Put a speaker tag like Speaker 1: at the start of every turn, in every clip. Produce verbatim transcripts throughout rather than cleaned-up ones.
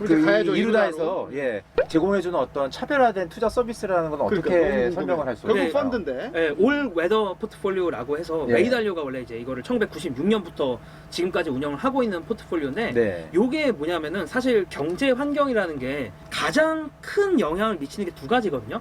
Speaker 1: 그
Speaker 2: 가야죠,
Speaker 1: 이루다에서 예, 제공해주는 어떤 차별화된 투자 서비스라는 건 어떻게
Speaker 2: 그러니까
Speaker 1: 설명을 할 수
Speaker 2: 결국
Speaker 1: 있을까요?
Speaker 2: 펀드인데.
Speaker 3: 네, 올 웨더 포트폴리오라고 해서
Speaker 1: 예.
Speaker 3: 레이 달리오가 원래 이제 이거를 천구백구십육 년부터 지금까지 운영을 하고 있는 포트폴리오인데
Speaker 1: 네.
Speaker 3: 요게 뭐냐면은 사실 경제 환경이라는 게 가장 큰 영향을 미치는 게 두 가지거든요.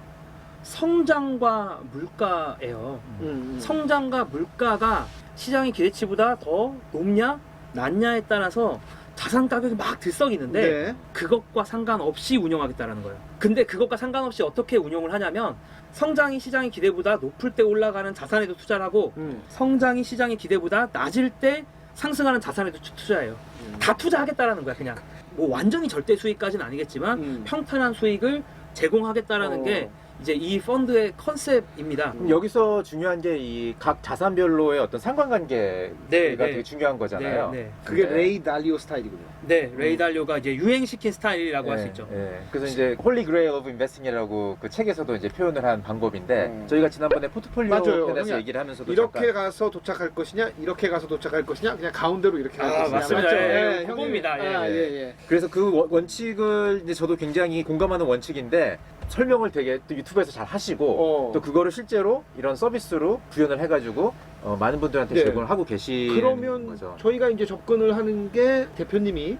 Speaker 3: 성장과 물가예요.
Speaker 2: 음, 음.
Speaker 3: 성장과 물가가 시장의 기대치보다 더 높냐 낮냐에 따라서 자산 가격이 막 들썩이는데
Speaker 2: 네.
Speaker 3: 그것과 상관없이 운영하겠다라는 거예요. 근데 그것과 상관없이 어떻게 운용을 하냐면 성장이 시장의 기대보다 높을 때 올라가는 자산에도 투자를 하고
Speaker 2: 음.
Speaker 3: 성장이 시장의 기대보다 낮을 때 상승하는 자산에도 투- 투자해요.
Speaker 2: 음.
Speaker 3: 다 투자하겠다라는 거야. 그냥 뭐 완전히 절대 수익까지는 아니겠지만
Speaker 2: 음.
Speaker 3: 평탄한 수익을 제공하겠다라는
Speaker 2: 어.
Speaker 3: 게 이제 이 펀드의 컨셉입니다.
Speaker 1: 그럼 여기서 중요한 게 이 각 자산별로의 어떤 상관관계가
Speaker 3: 네, 네.
Speaker 1: 되게 중요한 거잖아요.
Speaker 3: 네, 네.
Speaker 2: 그게
Speaker 1: 네.
Speaker 2: 레이 달리오 스타일이군요.
Speaker 3: 네, 레이 달리오가 이제 유행시킨 스타일이라고 할 수
Speaker 1: 예,
Speaker 3: 있죠.
Speaker 1: 예. 그래서 이제 홀리 그레일 오브 인베스팅이라고 그 책에서도 이제 표현을 한 방법인데
Speaker 2: 음.
Speaker 1: 저희가 지난번에 포트폴리오
Speaker 2: 맞아요.
Speaker 1: 편에서
Speaker 2: 그냥
Speaker 1: 얘기를 하면서도
Speaker 2: 이렇게
Speaker 1: 잠깐
Speaker 2: 가서 도착할 것이냐, 이렇게 가서 도착할 것이냐, 그냥 가운데로 이렇게 갈
Speaker 3: 아,
Speaker 2: 것이냐.
Speaker 3: 맞습니다.
Speaker 2: 맞죠?
Speaker 3: 예,
Speaker 2: 형님.
Speaker 3: 그겁니다. 예.
Speaker 2: 아, 예, 예.
Speaker 1: 그래서 그 원- 원칙을 이제 저도 굉장히 공감하는 원칙인데 설명을 되게 또 유튜브에서 잘 하시고
Speaker 2: 어.
Speaker 1: 또 그거를 실제로 이런 서비스로 구현을 해가지고 어, 많은 분들한테
Speaker 2: 네.
Speaker 1: 제공을 하고 계시는
Speaker 2: 그러면
Speaker 1: 거죠.
Speaker 2: 저희가 이제 접근을 하는 게 대표님이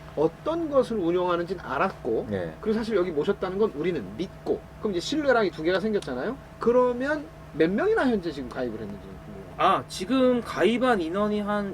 Speaker 2: 어떤 것을 운영하는지는 알았고,
Speaker 1: 네.
Speaker 2: 그리고 사실 여기 모셨다는 건 우리는 믿고, 그럼 이제 신뢰랑 이 두 개가 생겼잖아요. 그러면 몇 명이나 현재 지금 가입을 했는지 궁금해요.
Speaker 3: 아, 지금 가입한 인원이 한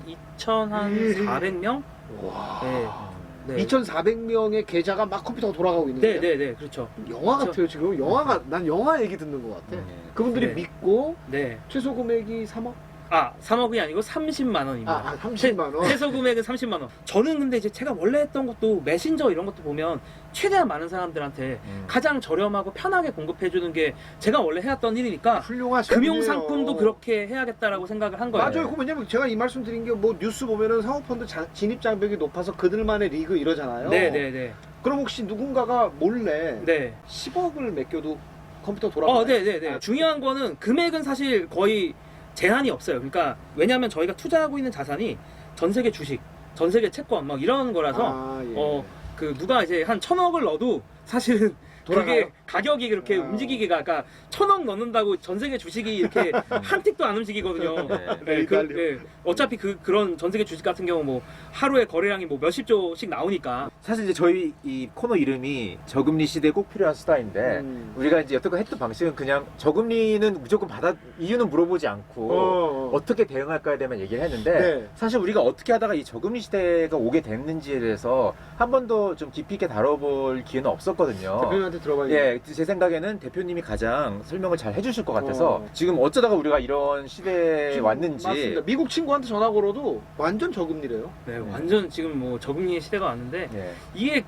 Speaker 3: 이천사백 명?
Speaker 2: 와.
Speaker 3: 네. 네.
Speaker 2: 이천사백 명의 계좌가 막 컴퓨터가 돌아가고 있는
Speaker 3: 네,
Speaker 2: 거예요.
Speaker 3: 네, 네. 그렇죠.
Speaker 2: 영화
Speaker 3: 저-
Speaker 2: 같아요 지금. 영화가 난 영화 얘기 듣는 것 같아.
Speaker 1: 네.
Speaker 2: 그분들이
Speaker 3: 네.
Speaker 2: 믿고
Speaker 3: 네.
Speaker 2: 최소 금액이 삼억?
Speaker 3: 아, 삼억이 아니고 삼십만 원입니다.
Speaker 2: 아, 아 삼십만 원.
Speaker 3: 최소 금액은 삼십만 원. 저는 근데 이제 제가 원래 했던 것도 메신저 이런 것도 보면 최대한 많은 사람들한테
Speaker 1: 음.
Speaker 3: 가장 저렴하고 편하게 공급해주는 게 제가 원래 해왔던 일이니까
Speaker 2: 훌륭하시네요.
Speaker 3: 금융상품도 그렇게 해야겠다라고 생각을 한 거예요.
Speaker 2: 맞아요. 그 왜냐면 제가 이 말씀 드린 게 뭐 뉴스 보면은 사모펀드 자- 진입 장벽이 높아서 그들만의 리그 이러잖아요.
Speaker 3: 네, 네, 네.
Speaker 2: 그럼 혹시 누군가가 몰래
Speaker 3: 네.
Speaker 2: 십억을 맡겨도 컴퓨터 돌아가요?
Speaker 3: 어, 네, 네, 네.
Speaker 2: 아,
Speaker 3: 중요한 거는 금액은 사실 거의 제한이 없어요. 그러니까 왜냐하면 저희가 투자하고 있는 자산이 전 세계 주식, 전 세계 채권 막 이런 거라서
Speaker 2: 아, 예.
Speaker 3: 어, 그 누가 이제 한 천억을 넣어도 사실은
Speaker 2: 돌아가요?
Speaker 3: 그게 가격이 그렇게
Speaker 2: 아.
Speaker 3: 움직이기가 그러니까 천억 넣는다고 전 세계 주식이 이렇게 한 틱도 안 움직이거든요.
Speaker 1: 네.
Speaker 3: 네, 그, 네. 어차피 그 그런 전 세계 주식 같은 경우 뭐 하루에 거래량이 뭐 몇십 조씩 나오니까
Speaker 1: 사실 이제 저희 이 코너 이름이 저금리 시대에 꼭 필요한 수다인데
Speaker 2: 음.
Speaker 1: 우리가 이제 여태껏 했던 방식은 그냥 저금리는 무조건 받아 이유는 물어보지 않고
Speaker 2: 어, 어.
Speaker 1: 어떻게 대응할까에 대해만 얘기를 했는데
Speaker 2: 네.
Speaker 1: 사실 우리가 어떻게 하다가 이 저금리 시대가 오게 됐는지에 대해서 한 번도 좀 깊이 있게 다뤄볼 기회는 없었거든요.
Speaker 2: 대표님한테 들어봐야겠네.
Speaker 1: 예, 제 생각에는 대표님이 가장 설명을 잘 해주실 것 같아서
Speaker 2: 어.
Speaker 1: 지금 어쩌다가 우리가 이런 시대에
Speaker 2: 지금
Speaker 1: 왔는지
Speaker 2: 맞습니다. 미국 친구한테 전화 걸어도 완전 저금리래요.
Speaker 3: 네, 완전 지금 뭐 저금리의 시대가 왔는데
Speaker 1: 예.
Speaker 3: 이게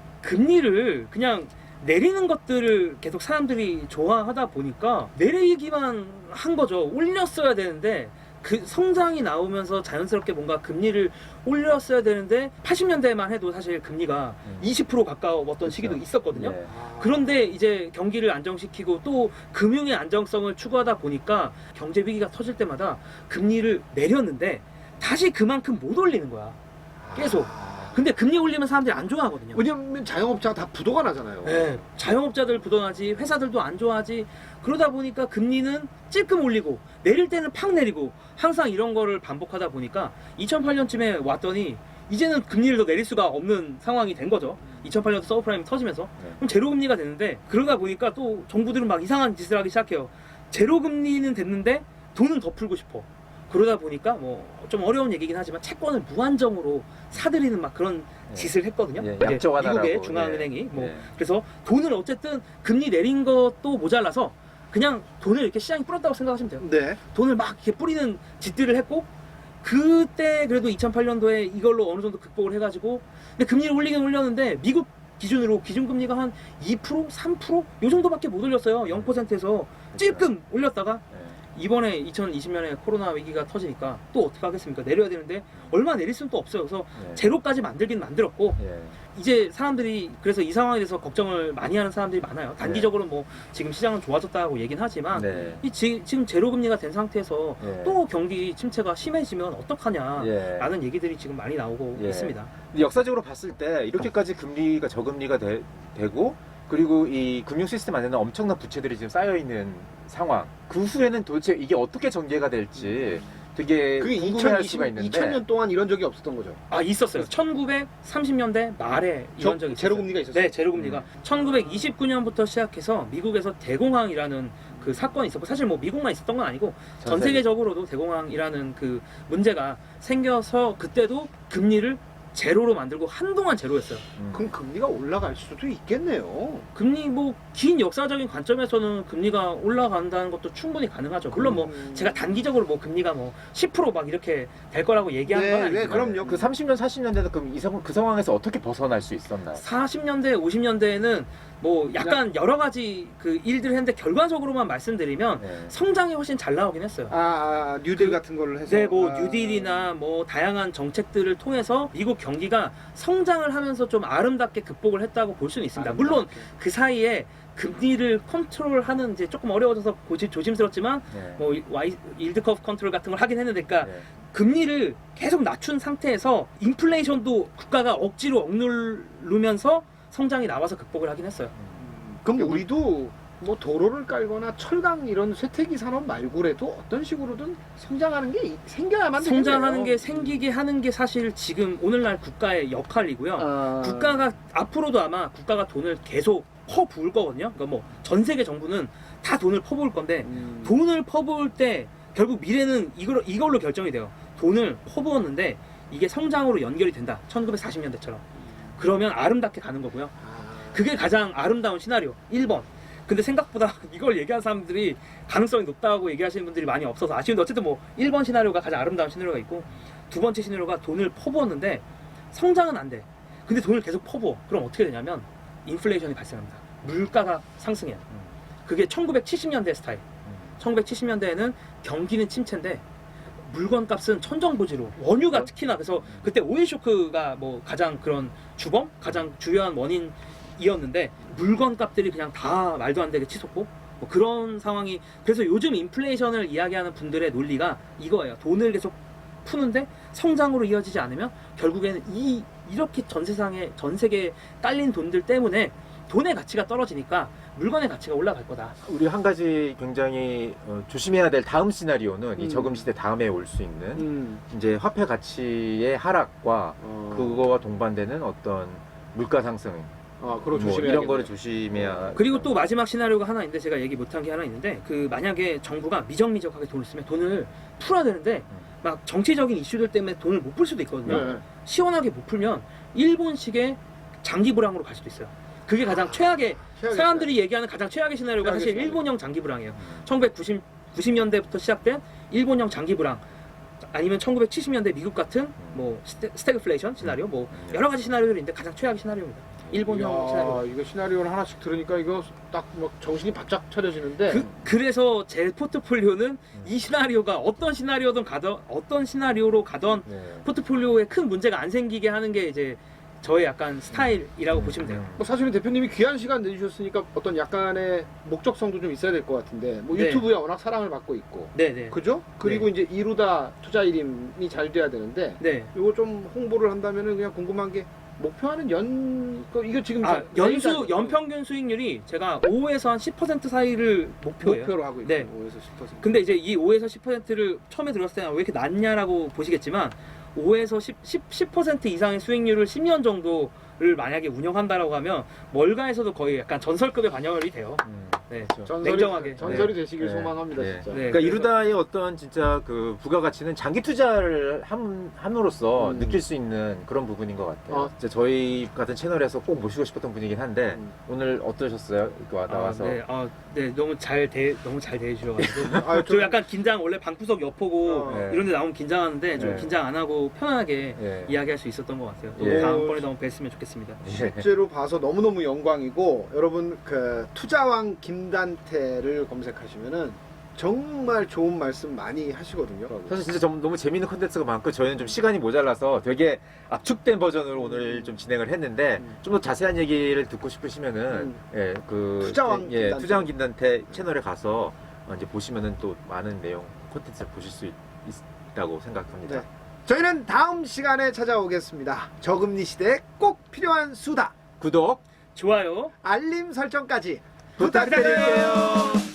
Speaker 3: 금리를 그냥 내리는 것들을 계속 사람들이 좋아하다 보니까 내리기만 한 거죠. 올렸어야 되는데 그 성장이 나오면서 자연스럽게 뭔가 금리를 올렸어야 되는데 팔십 년대만 해도 사실 금리가
Speaker 1: 음.
Speaker 3: 이십 퍼센트 가까웠던
Speaker 1: 그렇죠.
Speaker 3: 시기도 있었거든요.
Speaker 1: 예.
Speaker 3: 그런데 이제 경기를 안정시키고 또 금융의 안정성을 추구하다 보니까 경제 위기가 터질 때마다 금리를 내렸는데 다시 그만큼 못 올리는 거야. 계속.
Speaker 2: 아.
Speaker 3: 근데 금리 올리면 사람들이 안 좋아하거든요.
Speaker 2: 왜냐면 자영업자가 다 부도가 나잖아요.
Speaker 3: 네, 자영업자들 부도나지, 회사들도 안 좋아하지. 그러다 보니까 금리는 찔끔 올리고 내릴 때는 팍 내리고 항상 이런 거를 반복하다 보니까 이천팔 년쯤에 왔더니 이제는 금리를 더 내릴 수가 없는 상황이 된 거죠. 이천팔 년도 서브프라임이 터지면서.
Speaker 1: 네.
Speaker 3: 그럼 제로금리가 됐는데 그러다 보니까 또 정부들은 막 이상한 짓을 하기 시작해요. 제로금리는 됐는데 돈은 더 풀고 싶어. 그러다 보니까 뭐 좀 어려운 얘기긴 하지만 채권을 무한정으로 사들이는 막 그런
Speaker 1: 네.
Speaker 3: 짓을 했거든요.
Speaker 1: 예,
Speaker 3: 이제
Speaker 1: 약정하라고.
Speaker 3: 미국의 중앙은행이.
Speaker 1: 예.
Speaker 3: 뭐
Speaker 1: 예.
Speaker 3: 그래서 돈을 어쨌든 금리 내린 것도 모자라서 그냥 돈을 이렇게 시장이 뿌렸다고 생각하시면 돼요.
Speaker 2: 네.
Speaker 3: 돈을 막 이렇게 뿌리는 짓들을 했고 그때 그래도 이천팔 년도에 이걸로 어느 정도 극복을 해가지고 근데 금리를 올리긴 올렸는데 미국 기준으로 기준금리가 한 이 퍼센트, 삼 퍼센트 요 정도밖에 못 올렸어요. 영 퍼센트에서 찔끔 올렸다가
Speaker 1: 예.
Speaker 3: 이번에 이천이십 년에 코로나 위기가 터지니까 또 어떻게 하겠습니까? 내려야 되는데 얼마 내릴 수는 또 없어요. 그래서
Speaker 1: 네.
Speaker 3: 제로까지 만들긴 만들었고
Speaker 1: 예.
Speaker 3: 이제 사람들이 그래서 이 상황에 대해서 걱정을 많이 하는 사람들이 많아요. 단기적으로 뭐 지금 시장은 좋아졌다고 얘기는 하지만
Speaker 1: 네.
Speaker 3: 이 지, 지금 제로 금리가 된 상태에서
Speaker 1: 예.
Speaker 3: 또 경기 침체가 심해지면 어떡하냐
Speaker 1: 예.
Speaker 3: 라는 얘기들이 지금 많이 나오고
Speaker 1: 예.
Speaker 3: 있습니다.
Speaker 1: 근데 역사적으로 봤을 때 이렇게까지 금리가 저금리가 되, 되고 그리고 이 금융 시스템 안에는 엄청난 부채들이 지금 쌓여 있는 상황. 그 후에는 도대체 이게 어떻게 전개가 될지 되게
Speaker 2: 그게
Speaker 1: 궁금해할 수가 있는데.
Speaker 2: 이천 년 동안 이런 적이 없었던 거죠.
Speaker 3: 아 있었어요. 천구백삼십 년대 말에 이런 적이 있었어요.
Speaker 2: 제로금리가 있었어요.
Speaker 3: 네, 제로금리가 천구백이십구 년부터 시작해서 미국에서 대공황이라는 그 사건이 있었고 사실 뭐 미국만 있었던 건 아니고 전
Speaker 1: 전 세계.
Speaker 3: 세계적으로도 대공황이라는 그 문제가 생겨서 그때도 금리를 제로로 만들고 한동안 제로였어요.
Speaker 1: 음.
Speaker 2: 그럼 금리가 올라갈 수도 있겠네요.
Speaker 3: 금리 뭐 긴 역사적인 관점에서는 금리가 올라간다는 것도 충분히 가능하죠. 물론 뭐
Speaker 2: 음.
Speaker 3: 제가 단기적으로 뭐 금리가 뭐 십 퍼센트 막 이렇게 될 거라고 얘기하는 건
Speaker 2: 네,
Speaker 3: 아니지만
Speaker 2: 네, 그럼요.
Speaker 1: 그 삼십 년, 사십 년대는 그럼 이 상, 그 상황에서 어떻게 벗어날 수 있었나요?
Speaker 3: 사십 년대, 오십 년대에는 뭐 약간 여러 가지 그 일들을 했는데 결과적으로만 말씀드리면
Speaker 1: 네.
Speaker 3: 성장이 훨씬 잘 나오긴 했어요.
Speaker 2: 아, 아 뉴딜
Speaker 3: 그-
Speaker 2: 같은 걸로 해서.
Speaker 3: 네, 뭐
Speaker 2: 아.
Speaker 3: 뉴딜이나 뭐 다양한 정책들을 통해서 미국 경기가 성장을 하면서 좀 아름답게 극복을 했다고 볼 수는 있습니다. 물론
Speaker 2: 아름답게.
Speaker 3: 그 사이에 금리를 컨트롤하는 이제 조금 어려워져서 고집 조심스럽지만
Speaker 1: 네.
Speaker 3: 뭐 와이 일드 커브 컨트롤 같은 걸 하긴 했는데, 그러니까
Speaker 1: 네.
Speaker 3: 금리를 계속 낮춘 상태에서 인플레이션도 국가가 억지로 억누르면서 성장이 나와서 극복을 하긴 했어요.
Speaker 1: 음.
Speaker 2: 그럼 우리도 뭐 도로를 깔거나 철강 이런 쇠퇴기 산업 말고라도 어떤 식으로든 성장하는 게 이- 생겨야만 되겠네요.
Speaker 3: 성장하는 게 생기게 하는 게 사실 지금 오늘날 국가의 역할이고요.
Speaker 2: 아,
Speaker 3: 국가가 앞으로도 아마 국가가 돈을 계속 퍼부을 거거든요. 그러니까 뭐 전 세계 정부는 다 돈을 퍼부을 건데
Speaker 2: 음.
Speaker 3: 돈을 퍼부을 때 결국 미래는 이걸로, 이걸로 결정이 돼요. 돈을 퍼부었는데 이게 성장으로 연결이 된다. 천구백사십 년대처럼. 그러면 아름답게 가는 거고요.
Speaker 2: 아.
Speaker 3: 그게 가장 아름다운 시나리오. 일 번. 근데 생각보다 이걸 얘기한 사람들이 가능성이 높다고 얘기하시는 분들이 많이 없어서 아쉬운데 어쨌든 뭐 일 번 시나리오가 가장 아름다운 시나리오가 있고 두 번째 시나리오가 돈을 퍼부었는데 성장은 안 돼. 근데 돈을 계속 퍼부어. 그럼 어떻게 되냐면 인플레이션이 발생합니다. 물가가 상승해요. 그게 천구백칠십 년대 스타일. 천구백칠십 년대에는 경기는 침체인데 물건 값은 천정부지로 원유가 특히나 그래서 그때 오일 쇼크가 뭐 가장 그런 주범 가장 주요한 원인이었는데 물건 값들이 그냥 다 말도 안 되게 치솟고 뭐 그런 상황이 그래서 요즘 인플레이션을 이야기하는 분들의 논리가 이거예요. 돈을 계속 푸는데 성장으로 이어지지 않으면 결국에는 이 이렇게 전 세상에 전 세계에 깔린 돈들 때문에 돈의 가치가 떨어지니까 물건의 가치가 올라갈 거다.
Speaker 1: 우리 한 가지 굉장히 어, 조심해야 될 다음 시나리오는 이
Speaker 2: 음.
Speaker 1: 저금 시대 다음에 올 수 있는
Speaker 2: 음.
Speaker 1: 이제 화폐 가치의 하락과
Speaker 2: 어.
Speaker 1: 그거와 동반되는 어떤 물가 상승
Speaker 2: 아, 그거
Speaker 1: 뭐
Speaker 2: 조심해야
Speaker 1: 이런 거를 조심해야
Speaker 3: 그리고 또 마지막 시나리오가 하나 있는데 제가 얘기 못한 게 하나 있는데 그 만약에 정부가 미적미적하게 돈을 쓰면 돈을 풀어야 되는데 막 정치적인 이슈들 때문에 돈을 못 풀 수도 있거든요.
Speaker 2: 네.
Speaker 3: 시원하게 못 풀면 일본식의 장기 불황으로 갈 수도 있어요. 그게 가장 최악의
Speaker 2: 최악의
Speaker 3: 사람들이 얘기하는 가장 최악의 시나리오가
Speaker 2: 최악의
Speaker 3: 사실
Speaker 2: 시나리오.
Speaker 3: 일본형 장기 불황이에요. 천구백구십 년대부터 시작된 일본형 장기 불황 아니면 천구백칠십 년대 미국 같은 뭐 스태, 스태그플레이션 시나리오 뭐 여러 가지 시나리오들이 있는데 가장 최악의 시나리오입니다. 일본형
Speaker 2: 이야,
Speaker 3: 시나리오.
Speaker 2: 이거 시나리오를 하나씩 들으니까 이거 딱 막 정신이 바짝 차려지는데.
Speaker 3: 그, 그래서 제 포트폴리오는 이 시나리오가 어떤 시나리오든 가던 어떤 시나리오로 가던
Speaker 1: 네.
Speaker 3: 포트폴리오에 큰 문제가 안 생기게 하는 게 이제 저의 약간 스타일이라고 보시면 돼요.
Speaker 2: 뭐 사실은 대표님이 귀한 시간 내주셨으니까 어떤 약간의 목적성도 좀 있어야 될 것 같은데 뭐
Speaker 3: 네.
Speaker 2: 유튜브에 워낙 사랑을 받고 있고
Speaker 3: 네네.
Speaker 2: 그죠? 그리고 이제 이루다 투자 이름이 잘 돼야 되는데
Speaker 3: 네.
Speaker 2: 이거 좀 홍보를 한다면은 그냥 궁금한 게 목표하는 연 그 이거 지금
Speaker 3: 아,
Speaker 2: 자-
Speaker 3: 연수
Speaker 2: 자기가
Speaker 3: 연평균 수익률이 제가 오에서 한 십 퍼센트 사이를 목표예요.
Speaker 2: 목표로 하고 있고
Speaker 3: 네.
Speaker 2: 오에서 십 퍼센트.
Speaker 3: 근데 이제 이 오에서 십 퍼센트를 처음에 들었을 때는 왜 이렇게 낮냐라고 보시겠지만 오에서 십, 십, 십 퍼센트 이상의 수익률을 십 년 정도를 만약에 운영한다라고 하면 월가에서도 거의 약간 전설급의 반영이 돼요.
Speaker 1: 음.
Speaker 3: 네.
Speaker 1: 그렇죠.
Speaker 2: 전설이,
Speaker 3: 냉정하게.
Speaker 2: 전설이
Speaker 1: 네.
Speaker 2: 되시길
Speaker 1: 네.
Speaker 2: 소망합니다
Speaker 1: 네.
Speaker 2: 진짜.
Speaker 3: 네.
Speaker 1: 그러니까
Speaker 3: 그래서-
Speaker 1: 이루다의 어떤 진짜 그 부가가치는 장기 투자를 함, 함으로써
Speaker 2: 음.
Speaker 1: 느낄 수 있는 그런 부분인 것 같아요.
Speaker 2: 어.
Speaker 1: 진짜 저희 같은 채널에서 꼭 모시고 싶었던 분이긴 한데
Speaker 2: 음.
Speaker 1: 오늘 어떠셨어요? 이거 와- 나와서
Speaker 3: 아, 네, 아, 네, 너무 잘 대, 너무 잘 대해주셔가지고.
Speaker 2: 아,
Speaker 3: 저 약간 긴장, 원래 방구석 옆보고
Speaker 2: 어.
Speaker 1: 네.
Speaker 3: 이런 데 나오면 긴장하는데 좀
Speaker 1: 네.
Speaker 3: 긴장 안 하고 편안하게
Speaker 1: 예.
Speaker 3: 이야기할 수 있었던 것 같아요. 또
Speaker 1: 예.
Speaker 3: 다음번에도 한번 뵀으면 좋겠습니다.
Speaker 1: 예.
Speaker 2: 실제로 봐서 너무너무 영광이고 여러분 그 투자왕 김단태를 검색하시면은 정말 좋은 말씀 많이 하시거든요.
Speaker 1: 사실 진짜 좀 너무 재밌는 콘텐츠가 많고 저희는 좀 시간이 모자라서 되게 압축된 버전으로 오늘 좀 진행을 했는데
Speaker 2: 음.
Speaker 1: 좀 더 자세한 얘기를 듣고 싶으시면은
Speaker 2: 음.
Speaker 1: 예, 그
Speaker 2: 투자왕
Speaker 1: 예,
Speaker 2: 김단태.
Speaker 1: 투자왕 김단태 채널에 가서 어, 이제 보시면은 또 많은 내용 콘텐츠를 보실 수 있, 있다고 생각합니다.
Speaker 2: 네. 저희는 다음 시간에 찾아오겠습니다. 저금리 시대에 꼭 필요한 수다.
Speaker 1: 구독,
Speaker 3: 좋아요.
Speaker 2: 알림 설정까지
Speaker 1: 부탁드릴게요.